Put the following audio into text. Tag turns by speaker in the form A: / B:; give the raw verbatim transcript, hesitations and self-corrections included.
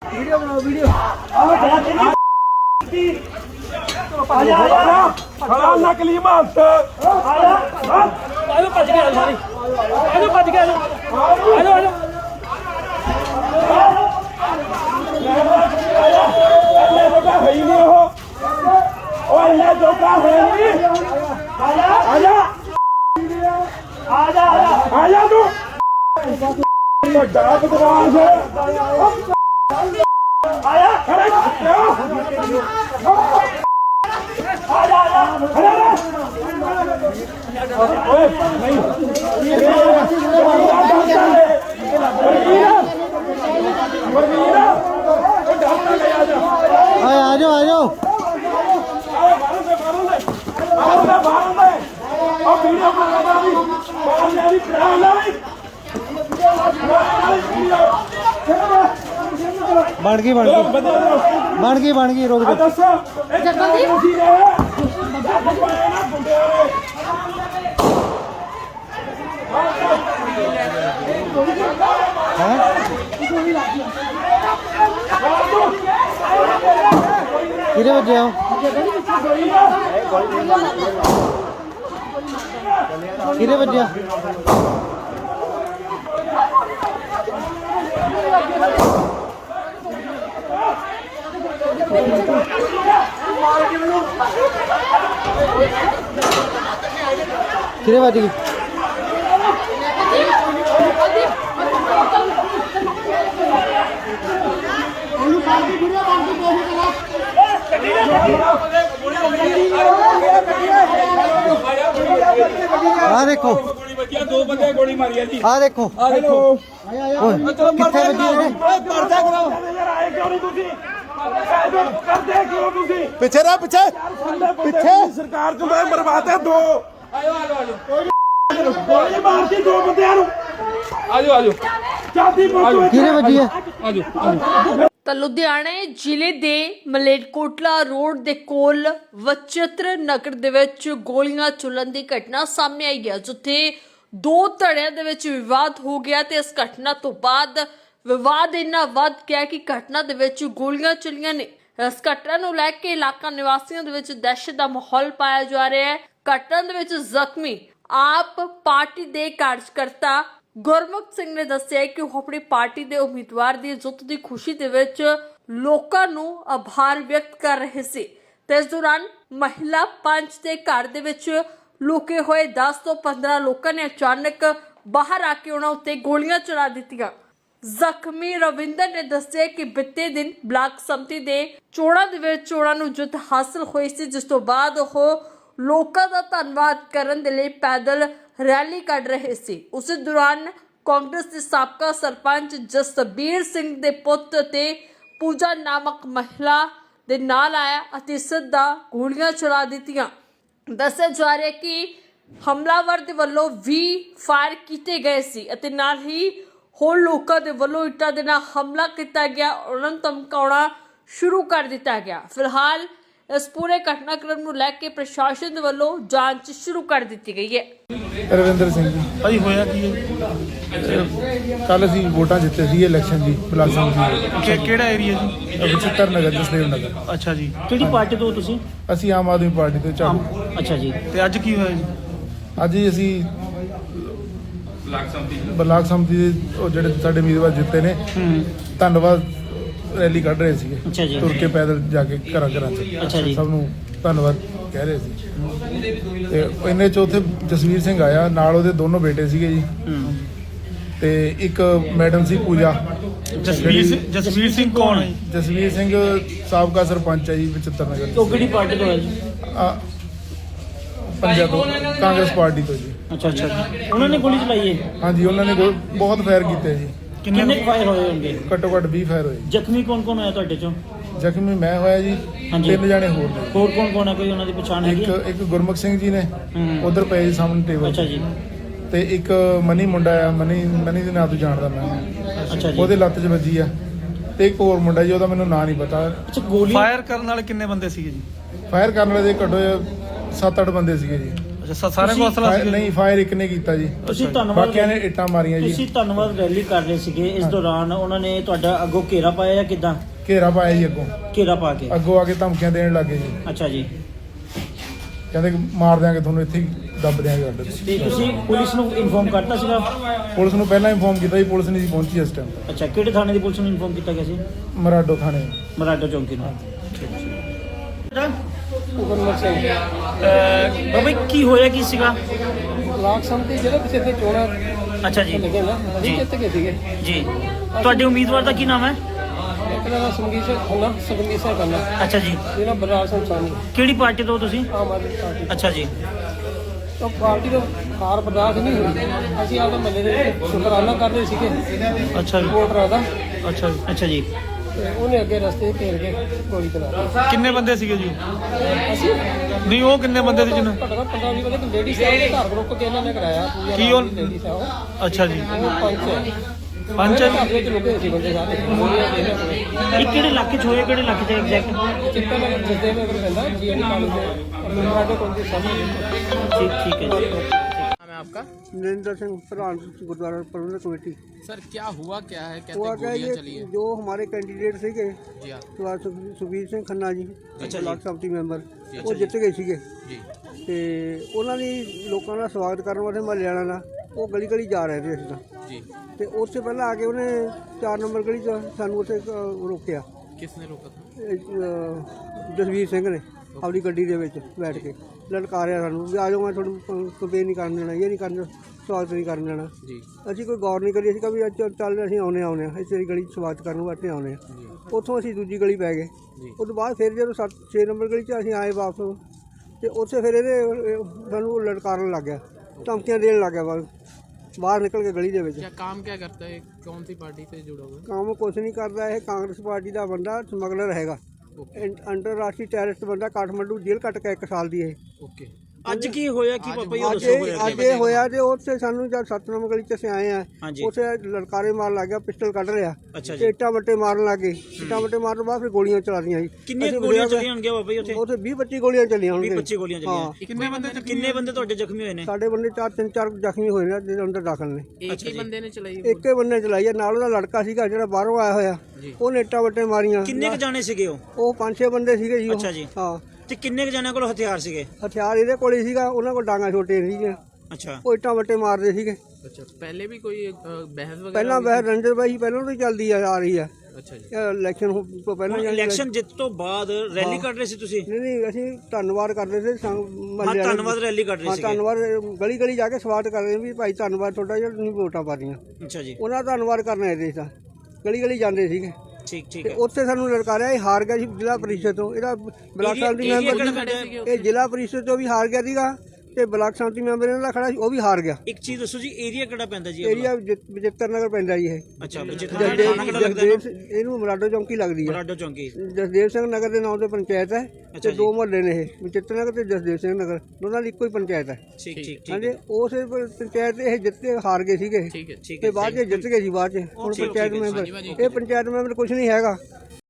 A: Video बनाओ video
B: आजा आजा नकली मानस आजा
A: आजो भज गया सारी आजो भज गया आजो आजो
B: है ही नहीं हो और ये धोखा है नहीं आजा आजा आजा आजा तू बड़ा बदमाश है आया खड़े आजा आजा खड़े ओए नहीं
C: आ जाओ आ जाओ बन गई बन गई बन गई बन गई रोक दो किरे बजे आओ किरे बजे किरे बज गई आ देखो
B: दो बंदे गोली मारी है जी
C: आ देखो
B: आ देखो
C: कितने बजे
B: पर्दा कराओ आए क्यों नहीं ਤੁਸੀਂ ਕਰਦੇ ਕਿਉਂ ਤੁਸੀਂ
C: पीछे रह पीछे
B: ਪਿੱਛੇ ਸਰਕਾਰ ਤੋਂ ਮੈਂ ਮਰਵਾਤੇ ਦੋ ਆਜੋ ਆਜੋ ਆਜੋ ਗੋਲੀ ਮਾਰਤੀ ਦੋ ਬੰਦਿਆਂ ਨੂੰ ਆਜੋ ਆਜੋ ਚਾਦੀ ਮੋਟੋ
C: किरे बजी है
B: ਆਜੋ
D: ਤਾਂ ਲੁਧਿਆਣੇ ਜ਼ਿਲ੍ਹੇ ਦੇ ਮਲੇਰਕੋਟਲਾ ਰੋਡ ਦੇ ਕੋਲ ਵਚਿੱਤਰ ਨਗਰ ਦੇ ਵਿੱਚ ਗੋਲੀਆਂ ਚੱਲਣ ਦੀ ਘਟਨਾ ਸਾਹਮਣੇ ਆਈ ਹੈ, ਜਿੱਥੇ ਦੋ ਧੜਿਆਂ ਦੇ ਵਿੱਚ ਵਿਵਾਦ ਹੋ ਗਿਆ ਤੇ ਇਸ ਘਟਨਾ ਤੋਂ ਬਾਅਦ ਵਿਵਾਦ ਇੰਨਾ ਵੱਧ ਗਿਆ ਕਿ ਘਟਨਾ ਦੇ ਵਿੱਚ ਗੋਲੀਆਂ ਚੱਲੀਆਂ ਨੇ। ਇਸ ਘਟਨਾ ਨੂੰ ਲੈ ਕੇ ਇਲਾਕਾ ਨਿਵਾਸੀਆਂ ਦੇ ਵਿੱਚ ਦਹਿਸ਼ਤ ਦਾ ਮਾਹੌਲ ਪਾਇਆ ਜਾ ਰਿਹਾ ਹੈ। ਘਟਨਾ ਦੇ ਵਿੱਚ ਜ਼ਖਮੀ ਆਪ ਪਾਰਟੀ ਦੇ ਕਾਰਜਕਰਤਾ ਗੁਰਮੁਖ ਸਿੰਘ ਨੇ ਦੱਸਿਆ ਕਿ ਉਹ ਆਪਣੀ ਪਾਰਟੀ ਦੇ ਉਮੀਦਵਾਰ ਦੀ ਜਿੱਤ ਦੀ ਖੁਸ਼ੀ ਦੇ ਵਿੱਚ ਲੋਕਾਂ ਨੂੰ ਆਭਾਰ ਵਿਅਕਤ ਕਰ ਰਹੇ ਸੀ ਤੇ ਇਸ ਦੌਰਾਨ ਮਹਿਲਾ ਪੰਚ ਦੇ ਘਰ ਦੇ ਵਿੱਚ ਲੁਕੇ ਹੋਏ ਦਸ ਤੋਂ ਪੰਦਰਾਂ ਲੋਕਾਂ ਨੇ ਅਚਾਨਕ ਬਾਹਰ ਆ ਕੇ ਉਹਨਾਂ ਉੱਤੇ ਗੋਲੀਆਂ ਚਲਾ ਦਿੱਤੀਆਂ। ਜ਼ਖਮੀ ਰਵਿੰਦਰ ਨੇ ਦੱਸਿਆ ਕਿ ਬੀਤੇ ਦਿਨ ਬਲਾਕ ਸੰਮਤੀ ਦੇ ਚੋਣਾਂ ਦੇ ਵਿੱਚ ਚੋਣਾਂ ਨੂੰ ਜਿੱਤ ਹਾਸਲ ਹੋਈ ਸੀ, ਜਿਸ ਤੋਂ ਬਾਅਦ ਉਹ ਲੋਕਾਂ ਦਾ ਧੰਨਵਾਦ ਕਰਨ ਦੇ ਲਈ ਪੈਦਲ ਰੈਲੀ ਕੱਢ ਰਹੇ ਸੀ। ਉਸੇ ਦੌਰਾਨ ਕਾਂਗਰਸ ਦੇ ਸਾਬਕਾ ਸਰਪੰਚ ਜਸਬੀਰ ਸਿੰਘ ਦੇ ਪੁੱਤ ਤੇ ਪੂਜਾ ਨਾਮਕ ਮਹਿਲਾ ਦੇ ਨਾਲ ਆਇਆ ਅਤੇ ਸਿੱਧਾ ਗੋਲੀਆਂ ਚਲਾ ਦਿੱਤੀਆਂ। ਦੱਸਿਆ ਜਾ ਰਿਹਾ ਕਿ ਹਮਲਾਵਰ ਦੇ ਵੱਲੋਂ ਵੀ ਫਾਇਰ ਕੀਤੇ ਗਏ ਸੀ ਅਤੇ ਨਾਲ ਹੀ ਹੋਰ ਲੋਕਾਂ ਦੇ ਵੱਲੋਂ ਇੱਟਾਂ ਦੇ ਨਾਲ ਹਮਲਾ ਕੀਤਾ ਗਿਆ, ਉਹਨਾਂ ਨੂੰ ਧਮਕਾਉਣਾ ਸ਼ੁਰੂ ਕਰ ਦਿੱਤਾ ਗਿਆ। ਫਿਲਹਾਲ ਇਸ ਪੂਰੇ ਘਟਨਾਕ੍ਰਮ ਨੂੰ ਲੈ ਕੇ ਪ੍ਰਸ਼ਾਸਨ ਦੇ ਵੱਲੋਂ ਜਾਂਚ ਸ਼ੁਰੂ ਕਰ ਦਿੱਤੀ ਗਈ ਹੈ।
E: ਰਵਿੰਦਰ ਸਿੰਘ ਜੀ
F: ਭਾਈ ਹੋਇਆ ਕੀ ਹੈ?
E: ਕੱਲ ਅਸੀਂ ਵੋਟਾਂ ਜਿੱਤੇ ਸੀ ਇਲੈਕਸ਼ਨ ਦੀ ਬਲਾਕ ਸੰਮਤੀ
F: ਕਿ ਕਿਹੜਾ ਏਰੀਆ ਜੀ?
E: ਦੀ ਬਚਿੱਤਰ ਨਗਰ ਜਸਦੇਵ ਨਗਰ।
F: ਅੱਛਾ ਜੀ,
A: ਕਿਹੜੀ ਪਾਰਟੀ ਤੋਂ ਤੁਸੀਂ?
E: ਅਸੀਂ ਆਮ ਆਦਮੀ ਪਾਰਟੀ ਤੋਂ ਝਾੜੂ।
A: ਅੱਛਾ ਜੀ,
F: ਤੇ ਅੱਜ ਕੀ ਹੋਇਆ ਜੀ?
E: ਅੱਜ ਹੀ ਅਸੀਂ ਬਲਾਕ ਸੰਮਤੀ ਦੇ ਉਹ ਜਿਹੜੇ ਸਾਡੇ ਉਮੀਦਵਾਰ ਜਿੱਤੇ ਨੇ ਧੰਨਵਾਦ ਰੈਲੀ ਕੱਢ ਰਹੇ ਸੀਗੇ।
A: ਅੱਛਾ ਜੀ।
E: ਤੁਰ ਕੇ ਪੈਦਲ ਜਾ ਕੇ ਘਰਾਂ ਘਰਾਂ
A: ਅੱਛਾ ਜੀ।
E: ਚ ਸਭ ਨੂੰ ਧੰਨਵਾਦ ਕਹਿ ਰਹੇ ਸੀ ਤੇ ਇੰਨੇ ਚ ਉੱਥੇ ਜਸਵੀਰ ਸਿੰਘ ਆਇਆ, ਨਾਲ ਉਹਦੇ ਦੋਨੋਂ ਬੇਟੇ ਸੀਗੇ ਜੀ ਤੇ ਇੱਕ ਮੈਡਮ ਸੀ ਪੂਜਾ।
F: ਜਸਵੀਰ ਸਿੰਘ ਜਸਵੀਰ ਸਿੰਘ ਕੌਣ ਹੈ?
E: ਜਸਵੀਰ ਸਿੰਘ ਸਾਬਕਾ ਸਰਪੰਚ ਹੈ ਜੀ ਬਚਿੱਤਰ ਨਗਰ।
A: ਤੋਂ ਕਿਹੜੀ ਪਾਰਟੀ ਤੋਂ ਹੈ ਜੀ?
E: ਆ, ਪੰਜਾਬ ਤੋਂ ਕਾਂਗਰਸ ਪਾਰਟੀ ਤੋਂ ਜੀ।
A: ਅੱਛਾ ਅੱਛਾ ਜੀ, ਉਹਨਾਂ ਨੇ ਗੋਲੀ ਚਲਾਈ ਹੈ?
E: ਹਾਂਜੀ, ਉਹਨਾਂ ਨੇ ਗੋ- ਬਹੁਤ ਫਾਇਰ ਕੀਤੇ ਜੀ,
A: ਕਿੰਨੇ ਫਾਇਰ ਹੋਏ ਹੋਣਗੇ?
E: ਘੱਟੋ ਘੱਟ ਵੀਹ ਫਾਇਰ ਹੋਏ।
A: ਜ਼ਖਮੀ ਕੌਣ ਕੌਣ ਹੋਇਆ ਤੁਹਾਡੇ ਚੋਂ?
E: ਜ਼ਖਮੀ ਮੈਂ ਹੋਇਆ ਜੀ,
A: ਹਾਂਜੀ।
E: ਤਿੰਨ ਜਾਣੇ ਹੋਰ ਨੇ।
A: ਹੋਰ ਕੌਣ ਕੌਣ ਹੈ, ਕੋਈ ਉਹਨਾਂ ਦੀ ਪਛਾਣ ਹੈਗੀ
E: ਇੱਕ
A: ਹੈ?
E: ਇੱਕ ਗੁਰਮੁਖ ਸਿੰਘ ਜੀ ਨੇ
A: ਹੂੰ।
E: ਉਧਰ ਪਏ ਜੀ ਸਾਹਮਣੇ ਟੇਬਲ
A: ਅੱਛਾ ਜੀ,
E: ਤੇ ਇੱਕ ਮਨੀ ਮੁੰਡਾ ਆ, ਮਨੀ ਮਨੀ ਦੇ ਨਾਂ ਤੋਂ ਜਾਣਦਾ ਮੈਂ,
A: ਅੱਛਾ ਜੀ।
E: ਉਹਦੇ ਲੱਤ 'ਚ ਵੱਜੀ ਆ। ਤੇ ਇੱਕ ਹੋਰ ਮੁੰਡਾ ਜੀ, ਉਹਦਾ ਮੈਨੂੰ ਨਾਂ ਨਹੀਂ ਪਤਾ।
A: ਅੱਛਾ, ਗੋਲੀ
F: ਫਾਇਰ ਕਰਨ ਵਾਲੇ ਕਿੰਨੇ ਬੰਦੇ ਸੀਗੇ ਜੀ?
E: ਫਾਇਰ ਕਰਨ ਵਾਲੇ ਦੇ ਘੱਟੋ ਸੱਤ ਅੱਠ ਬੰਦੇ ਸੀਗੇ ਜੀ।
F: ਅੱਛਾ ਸਾਰਿਆਂ ਕੋਲ ਹੌਸਲਾ
E: ਫਾਇਰ-
F: ਸੀ
E: ਨਹੀਂ ਫਾਇਰ ਇੱਕ ਨੇ ਕੀਤਾ ਜੀ,
G: ਤੁਸੀਂ ਧੰਨਵਾਦ
E: ਬਾਕੀਆਂ ਨੇ ਇੱਟਾਂ ਮਾਰੀਆਂ ਜੀ।
G: ਤੁਸੀਂ ਧੰਨਵਾਦ ਰੈਲੀ ਕਰ ਰਹੇ ਸੀਗੇ, ਇਸ ਦੌਰਾਨ ਉਹਨਾਂ ਨੇ ਤੁਹਾਡਾ ਅੱਗੋਂ ਘੇਰਾ ਪਾਇਆ ਜਾਂ ਕਿਦਾਂ?
E: ਘੇਰਾ ਪਾਇਆ ਜੀ, ਅੱਗੋਂ
G: ਘੇਰਾ ਪਾ ਕੇ।
E: ਅੱਗੋਂ ਆ ਕੇ ਧਮਕੀਆਂ ਦੇਣ ਲੱਗੇ ਜੀ,
G: ਅੱਛਾ ਜੀ,
E: ਕਹਿੰਦੇ ਕਿ ਮਾਰ ਦਿਆਂਗੇ ਤੁਹਾਨੂੰ, ਇੱਥੇ ਹੀ ਦੱਬ ਦਿਆਂਗੇ ਅੱਡ ਤੇ।
G: ਤੇ ਤੁਸੀਂ ਪੁਲਿਸ ਨੂੰ ਇਨਫੋਰਮ ਕਰਤਾ ਸੀਗਾ?
E: ਪੁਲਿਸ ਨੂੰ ਪਹਿਲਾਂ ਇਨਫੋਰਮ ਕੀਤਾ ਜੀ, ਪੁਲਿਸ ਨਹੀਂ ਸੀ ਪਹੁੰਚੀ ਇਸ ਟਾਈਮ,
G: ਅੱਛਾ, ਕਿਹੜੇ ਥਾਣੇ ਦੀ ਪੁਲਿਸ ਨੂੰ ਇਨਫੋਰਮ ਕੀਤਾ ਗਿਆ ਸੀ?
E: ਮਰਾਡੋ ਥਾਣੇ।
G: ਮਰਾਡਾ ਚੌਂਕੀ ਨੂੰ।
A: ਉਗਰਮਤ ਸਿੰਘ
G: ਅਹ ਬਾਬਾ ਜੀ, ਕੀ ਹੋਇਆ ਕੀ ਸੀਗਾ?
A: ਬਲਾਕ ਸੰਮਤੀ ਜਿਹੜਾ ਪਿੱਛੇ ਤੇ ਚੋਣਾਂ
G: ਅੱਛਾ ਜੀ
A: ਲੱਗੇ ਨਾ
G: ਜੀ।
A: ਅਸੀਂ ਜਿੱਤ ਗਏ ਸੀਗੇ।
G: ਜੀ, ਤੁਹਾਡੇ ਉਮੀਦਵਾਰ ਦਾ ਕੀ ਨਾਮ ਹੈ?
A: ਇੱਕ ਦਾ ਨਾਮ ਸੰਗੀਤ ਸਿੰਘ ਖੰਨਾ, ਸੰਗੀਤ ਸਿੰਘ ਖੰਨਾ,
G: ਅੱਛਾ ਜੀ,
A: ਜਿਹੜਾ ਬਲਰਾਜ ਸਿੰਘ ਸਾਨੀ,
G: ਕਿਹੜੀ ਪਾਰਟੀ ਤੋਂ ਤੁਸੀਂ?
A: ਆਮ ਆਦਮੀ ਪਾਰਟੀ।
G: ਅੱਛਾ ਜੀ,
A: ਉਹ ਪਾਰਟੀ ਤੋਂ ਹਾਰ ਬਰਦਾਸ਼ਤ ਨਹੀਂ ਹੋਈ, ਅਸੀਂ ਆਪਦੇ ਮਹੱਲੇ ਦੇ ਵਿੱਚ ਸ਼ੁਕਰਾਨਾ ਕਰਦੇ ਸੀਗੇ
G: ਅੱਛਾ ਜੀ,
A: ਵੋਟਰਾਂ ਦਾ,
G: ਅੱਛਾ ਜੀ, ਅੱਛਾ ਜੀ।
A: ਤੇ ਉਹਨੇ ਅੱਗੇ ਰਸਤੇ ਘੇਰ ਕੇ ਗੋਲੀ ਚਲਾ ਦਿੱਤੀ।
F: ਕਿੰਨੇ ਬੰਦੇ ਸੀਗੇ ਜੀ?
A: ਅਸੀਂ
F: ਨਹੀਂ ਉਹ ਕਿੰਨੇ ਬੰਦੇ ਸੀ ਜਿਹਨੂੰ?
A: ਘੱਟੋ ਘੱਟ ਪੰਦਰਾਂ ਵੀਹ ਬੰਦੇ ਲੇਡੀ ਸਾਹਿਬ ਦੇ ਘਰ ਰੁੱਕ ਕੇ ਇਹਨਾਂ ਨੇ ਕਰਾਇਆ ਪੂਜਾ
F: ਕੀ ਉਹ-
A: ਲੇਡੀ ਸਾਹਿਬ
F: ਅੱਛਾ ਜੀ,
A: ਉਹ ਪੰਚ ਹੈ।
F: ਪੰਚ ਹੈ
A: ਘਰ ਵਿੱਚ ਲੁਕੇ ਸੀ ਬੰਦੇ ਸਾਰੇ ਗੋਲੀਆਂ ਦੇ ਰਹੇ
G: ਇਹ ਕਿਹੜੇ ਇਲਾਕੇ 'ਚ ਹੋਇਆ, ਕਿਹੜੇ ਇਲਾਕੇ 'ਚ ਐਗਜ਼ੈਕਟ?
A: ਚਿੱਟਾ ਨਗਰ ਜਿੱਦੇ ਮੈਂ ਕਹਿੰਦਾ ਜੀਐਨ ਕਾਲਜ ਦੇ ਮਰਾਡੇ ਕੋਲ ਦੇ ਸਾਹਮਣੇ।
G: ਠੀਕ ਠੀਕ ਹੈ ਜੀ।
C: नरेंद्र सिंह प्रधान गुरुद्वारा प्रबंधक कमेटी।
H: सर क्या हुआ, क्या है, कहते
C: हुआ क्या
H: गोलियां
C: ये
H: चली है?
C: जो हमारे कैंडिडेट ਸੀਗੇ
H: जी हाँ,
C: ਸਰਦਾਰ ਸੁਖ- ਸੁਖਬੀਰ ਸਿੰਘ ਖੰਨਾ ਜੀ,
G: ਅੱਛਾ
C: ਬਲਾਕ
G: ਜੀ।
C: ਸੰਮਤੀ ਮੈਂਬਰ,
H: ਜੀ,
C: ਉਹ ਜਿੱਤ ਗਏ ਸੀਗੇ
H: जी
C: ਤੇ ਉਹਨਾਂ ਨੇ ਲੋਕਾਂ ਦਾ ਸਵਾਗਤ ਕਰਨ ਵਾਸਤੇ ਮਹੱਲੇ ਵਾਲਿਆਂ ਦਾ ਉਹ ਗਲੀ ਗਲੀ ਜਾ ਰਹੇ ਸੀ ਅਸੀਂ ਤਾਂ,
H: जी।
C: ਤੇ ਉਸ ਤੋਂ ਪਹਿਲਾਂ ਆ ਕੇ ਉਹਨੇ ਚਾਰ ਨੰਬਰ ਗਲੀ 'ਚ ਸਾਨੂੰ ਉੱਥੇ ਅ, ਰੋਕਿਆ।
H: किसने रोका था?
C: ਇਹ, ਅ, ਜਸਵੀਰ ਸਿੰਘ ਨੇ ਆਪਣੀ ਗੱਡੀ ਦੇ ਵਿੱਚ ਬੈਠ ਕੇ ਲਲਕਾਰਿਆ ਸਾਨੂੰ ਵੀ ਆ ਜਾਓ, ਮੈਂ ਤੁਹਾਨੂੰ ਕੰਪੇਨ ਨਹੀਂ ਕਰਨ ਦੇਣਾ, ਇਹ ਨਹੀਂ ਕਰਨ, ਸਵਾਗਤ ਨਹੀਂ ਕਰਨ ਦੇਣਾ।
H: जी
C: ਅਸੀਂ ਕੋਈ ਗੌਰ ਨਹੀਂ ਕਰੀ, ਅਸੀਂ ਕਿਹਾ ਵੀ ਅੱਜ ਚੱਲ ਅਸੀਂ ਆਉਨੇ ਆਉਨੇ ਆ, ਅਸੀਂ ਤੇਰੀ ਗਲੀ 'ਚ ਸਵਾਗਤ ਕਰਨ ਵਾਸਤੇ ਆਉਨੇ ਆ। ਉੱਥੋਂ ਅਸੀਂ ਦੂਜੀ ਗਲੀ ਪੈ ਗਏ।
H: ਜੀ।
C: ਉਸ ਤੋਂ ਬਾਅਦ ਫਿਰ ਜਦੋਂ ਸੱਤ ਛੇ ਨੰਬਰ ਗਲੀ 'ਚ ਅਸੀਂ ਆਏ ਵਾਪਸ, ਤੇ ਉੱਥੇ ਫਿਰ ਇਹਦੇ ਇਹ ਸਾਨੂੰ ਲਲਕਾਰਨ ਲੱਗ ਗਿਆ, ਧਮਕੀਆਂ ਦੇਣ ਲੱਗ ਗਿਆ ਬਾਹਰ ਬਾਹਰ ਨਿਕਲ ਕੇ ਗਲੀ ਦੇ ਵਿੱਚ।
H: क्या काम क्या करता है, कौन सी पार्टी से जुड़ा हुआ है?
C: ਕੰਮ ਕੁਛ ਨਹੀਂ ਕਰਦਾ, ਇਹ ਕਾਂਗਰਸ ਪਾਰਟੀ ਦਾ ਬੰਦਾ ਸਮਗਲਰ ਹੈਗਾ, ਅੰਤਰਰਾਸ਼ਟਰੀ ਟੈਰਰਿਸਟ ਬੰਦਾ, ਕਾਠਮੰਡੂ ਜੇਲ੍ਹ ਕੱਟ ਕੇ ਇੱਕ ਸਾਲ ਦੀ ਇਹ।
H: ओके
G: ਅੱਜ ਕੀ ਹੋਇਆ ਕੀ ਪਾਪਾ ਜੀ ਉਹ
C: ਅੱਜ
G: ਦੱਸੋ
C: ਇਹ
G: ਹੋਇਆ
C: ਅੱਜ ਇਹ ਹੋਇਆ ਤੇ ਉੱਥੇ ਸਾਨੂੰ ਜਦ ਸੱਤ ਨੰਬਰ ਗਲੀ 'ਚ ਅਸੀਂ ਆਏ ਆ,
G: ਹਾਂਜੀ।
C: ਉੱਥੇ ਲਲਕਾਰੇ ਮਾਰਨ ਲੱਗ ਗਿਆ, ਪਿਸਟਲ ਕੱਢ ਲਿਆ
G: ਅੱਛਾ
C: ਤੇ
G: ਜੀ,
C: ਇੱਟਾਂ ਵੱਟੇ ਮਾਰਨ ਲੱਗੇ। ਇੱਟਾਂ ਵੱਟੇ ਮਾਰਨ ਤੋਂ ਬਾਅਦ ਫਿਰ ਗੋਲੀਆਂ ਚਲਾਤੀਆਂ ਜੀ।
G: ਕਿੰਨੀਆਂ
C: ਅਸੀਂ
G: ਗੋਲੀਆਂ
C: ਬਥੇਰਾ-
G: ਚੱਲੀਆਂ ਹੋਣਗੀਆਂ ਪਾਪਾ ਜੀ ਉੱਥੇ?
C: ਉੱਥੇ ਵੀਹ ਪੱਚੀ ਗੋਲੀਆਂ ਚੱਲੀਆਂ
G: ਵੀਹ
C: ਹੋਣਗੀਆਂ।
G: ਪੱਚੀ ਗੋਲੀਆਂ ਚੱਲੀਆਂ।
C: ਹਾਂ,
F: ਕਿੰਨੇ ਬੰਦੇ
G: ਕਿੰਨੇ ਬੰਦੇ ਤੁਹਾਡੇ ਜ਼ਖਮੀ ਹੋਏ ਨੇ?
C: ਸਾਡੇ ਬੰਦੇ ਚਾਰ ਤਿੰਨ ਚਾਰ ਜ਼ਖਮੀ ਹੋਏ ਨੇ ਜਿਹੜੇ ਅੰਦਰ ਦਾਖਲ ਨੇ।
H: एक ही बंदे ने चलाई?
C: ਇੱਕੇ ਬੰਦੇ ਚਲਾਈ ਆ, ਨਾਲ ਉਹਦਾ ਲੜਕਾ ਸੀਗਾ ਜਿਹੜਾ ਬਾਹਰੋਂ ਆਇਆ ਹੋਇਆ, ਉਹਨੇ ਇੱਟਾਂ ਵੱਟੇ ਮਾਰੀਆਂ।
G: ਕਿੰਨੇ ਕ ਜਾਣੇ ਸੀਗੇ ਉਹ?
C: ਉਹ ਪੰਜ ਛੇ ਬੰਦੇ ਸੀਗੇ ਜੀ ਉਹ।
G: ਅੱਛਾ ਜੀ।
C: ਹਾਂ,
G: ਤੇ ਕਿੰਨੇ ਕ ਜਾਣਿਆਂ ਕੋਲ ਹਥਿਆਰ ਸੀਗੇ?
C: ਹਥਿਆਰ ਇਹਦੇ ਕੋਲ ਹੀ ਸੀਗਾ, ਉਹਨਾਂ ਕੋਲ ਡਾਂਗਾ ਛੋਟੇ ਸੀਗੇ,
G: ਅੱਛਾ,
C: ਉਹ ਇੱਟਾਂ ਵੱਟੇ ਮਾਰਦੇ ਸੀਗੇ।
H: अच्छा, पहले भी कोई अ, बहस वगैरह
C: ਪਹਿਲਾਂ
H: हुई
C: ਵੈਸੇ ਰੰਜਰ ਬਾਈ ਪਹਿਲਾਂ ਤੋਂ ਹੀ ਚੱਲਦੀ ਆ ਆ ਰਹੀ ਆ,
H: थी? अच्छा जी,
C: ਇਹ ਇਲੈਕਸ਼ਨ ਤੋਂ ਪਹਿਲਾਂ
G: ਹੁਣ
C: ਜਾਣੀ-
G: ਇਲੈਕਸ਼ਨ ਜਿੱਤ ਤੋਂ ਬਾਅਦ ਰੈਲੀ ਕੱਢ ਰਹੇ ਸੀ ਤੁਸੀਂ?
C: ਨਹੀਂ ਨਹੀਂ, ਅਸੀਂ ਧੰਨਵਾਦ ਕਰਦੇ ਸੀ
G: ਹਾਂ,
C: ਮਹੱਲੇ
G: ਧੰਨਵਾਦ ਰੈਲੀ ਕੱਢ ਰਹੇ
C: ਹਾਂ,
G: ਸੀਗੇ।
C: ਧੰਨਵਾਦ ਗਲੀ ਗਲੀ ਜਾ ਕੇ ਸਵਾਗਤ ਕਰਦੇ ਵੀ ਭਾਈ ਧੰਨਵਾਦ ਤੁਹਾਡਾ ਜਿਹੜਾ ਤੁਸੀਂ ਵੋਟਾਂ ਪਾਦੀਆਂ,
G: ਅੱਛਾ ਜੀ,
C: ਉਹਨਾਂ ਦਾ ਧੰਨਵਾਦ ਕਰਨਾ ਇਹਦੇ ਤਾਂ ਗਲੀ ਗਲੀ ਜਾਂਦੇ ਸੀਗੇ।
G: ਠੀਕ ਠੀਕ
C: ਤੇ
G: ਹੈ।
C: ਉੱਥੇ ਸਾਨੂੰ ਲਲਕਾਰਿਆ, ਇਹ ਹਾਰ ਗਿਆ ਸੀ ਜ਼ਿਲ੍ਹਾ ਪਰਿਸ਼ਦ ਤੋਂ, ਇਹਦਾ block
G: area-
C: Samiti
G: area
C: member
G: ਕਿਹੜਾ
C: ਸੀ,
G: ਖੜਾ
C: ਇਹ ਜ਼ਿਲ੍ਹਾ ਪਰਿਸ਼ਦ ਤੋਂ ਵੀ ਹਾਰ ਗਿਆ ਸੀਗਾ, ਤੇ ਬਲਾਕ ਸੰਮਤੀ ਮੈਂਬਰ ਇਹਨਾਂ ਦਾ ਖੜਾ ਸੀ, ਉਹ ਵੀ ਹਾਰ ਗਿਆ।
G: ਇੱਕ ਚੀਜ਼ ਦੱਸੋ ਜੀ, ਏਰੀਆ ਕਿਹੜਾ ਪੈਂਦਾ ਜੀ? ਇਹ
C: ਏਰੀਆ ਬਜਿੱਤਰ ਨਗਰ ਪੈਂਦਾ ਜੀ ਇਹ।
G: ਅੱਛਾ, ਬਜਿੱਤਰ
C: ਜਸਦੇਵ
G: ਥਾਣਾ ਕਿਹੜਾ ਲੱਗਦਾ ਇਹਨੂੰ?
C: ਜਸਦੇਵ- ਇਹਨੂੰ ਮਰਾਡੋ ਚੌਂਕੀ ਲੱਗਦੀ ਹੈ।
G: ਮਰਾਡੋ ਚੌਂਕੀ।
C: ਜਸਦੇਵ ਸਿੰਘ ਨਗਰ ਦੇ ਨਾਮ ਤੇ ਪੰਚਾਇਤ ਹੈ,
G: ਅੱਛਾ
C: ਤੇ
G: ਜੀ।
C: ਦੋ ਮੁਹੱਲੇ ਨੇ ਇਹ, ਬਜਿੱਤਰ ਨਗਰ ਤੇ ਜਸਦੇਵ ਸਿੰਘ ਨਗਰ, ਦੋਨਾਂ ਦੀ ਇੱਕੋ ਹੀ ਪੰਚਾਇਤ ਹੈ।
G: ਠੀਕ ਠੀਕ ਠੀਕ
C: ਹਾਂਜੀ, ਉਸ ਪੰਚਾਇਤ ਇਹ ਜਿੱਤੇ ਹਾਰ ਗਏ ਸੀਗੇ,
H: ठीक है।
G: ਠੀਕ
C: ਤੇ
G: ਹੈ।
C: ਬਾਅਦ ਚ ਜਿੱਤ ਗਏ ਸੀ। ਬਾਅਦ ਚ ਹੁਣ
G: ਠੀਕ ਹੈ,
C: ਪੰਚਾਇਤ
G: ਠੀਕ ਹੈ,
C: ਮੈਂਬਰ,
H: ਹਾਂਜੀ,
C: ਇਹ ਪੰਚਾਇਤ ਮੈਂਬਰ ਕੁਝ ਨਹੀਂ ਹੈਗਾ,